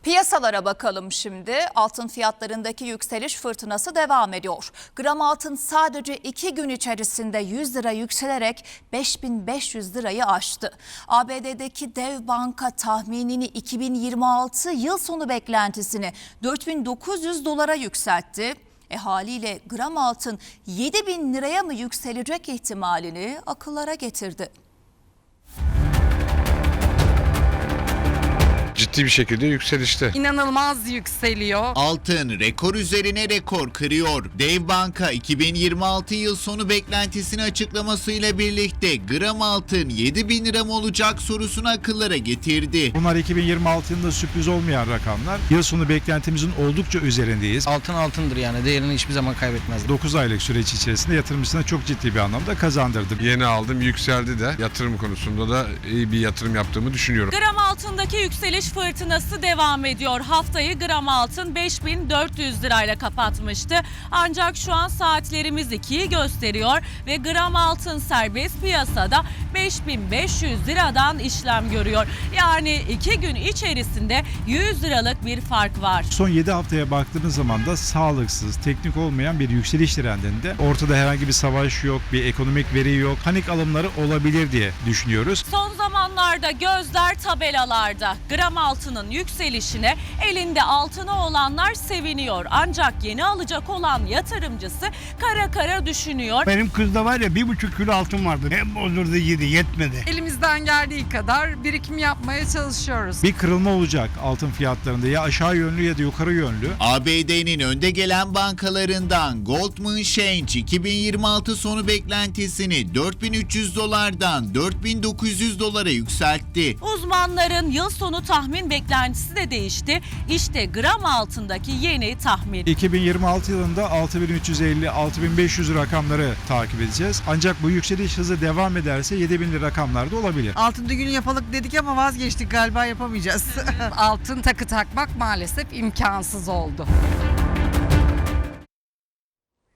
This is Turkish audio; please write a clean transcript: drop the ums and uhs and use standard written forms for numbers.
Piyasalara bakalım şimdi. Altın fiyatlarındaki yükseliş fırtınası devam ediyor. Gram altın sadece 2 gün içerisinde 100 lira yükselerek 5.500 lirayı aştı. ABD'deki dev banka tahminini 2026 yıl sonu beklentisini 4.900 dolara yükseltti. Haliyle gram altın 7.000 liraya mı yükselecek ihtimalini akıllara getirdi. Ciddi bir şekilde yükselişte. İnanılmaz yükseliyor. Altın rekor üzerine rekor kırıyor. Dev Banka 2026 yıl sonu beklentisini açıklamasıyla birlikte gram altın 7.000 lira mı olacak sorusunu akıllara getirdi. Bunlar 2026 yılında sürpriz olmayan rakamlar. Yıl sonu beklentimizin oldukça üzerindeyiz. Altın altındır, yani değerini hiçbir zaman kaybetmez. 9 aylık süreç içerisinde yatırımcısına çok ciddi bir anlamda kazandırdı. Yeni aldım, yükseldi de yatırım konusunda da iyi bir yatırım yaptığımı düşünüyorum. Gram altındaki yükseliş fırtınası devam ediyor. Haftayı gram altın 5.400 lirayla kapatmıştı. Ancak şu an saatlerimiz 2'yi gösteriyor ve gram altın serbest piyasada 5.500 liradan işlem görüyor. Yani 2 gün içerisinde 100 liralık bir fark var. Son 7 haftaya baktığınız zaman da sağlıksız, teknik olmayan bir yükseliş trendinde. Ortada herhangi bir savaş yok, bir ekonomik veri yok. Panik alımları olabilir diye düşünüyoruz. Son zamanlarda gözler tabelalarda. Gram altının yükselişine elinde altını olanlar seviniyor. Ancak yeni alacak olan yatırımcısı kara kara düşünüyor. Benim kızda var ya 1,5 kilo altın vardı. Hep bozuldu yedi yetmedi. Elimizden geldiği kadar birikim yapmaya çalışıyoruz. Bir kırılma olacak altın fiyatlarında, ya aşağı yönlü ya da yukarı yönlü. ABD'nin önde gelen bankalarından Goldman Sachs 2026 sonu beklentisini 4.300 dolardan 4.900 dolara yükseltti. Uzmanların yıl sonu tahmin beklentisi de değişti. İşte gram altındaki yeni tahmin. 2026 yılında 6.350-6.500 rakamları takip edeceğiz. Ancak bu yükseliş hızı devam ederse 7.000 rakamlarda olabilir. Altın düğünü yapalım dedik ama vazgeçtik, galiba yapamayacağız. Altın takı takmak maalesef imkansız oldu.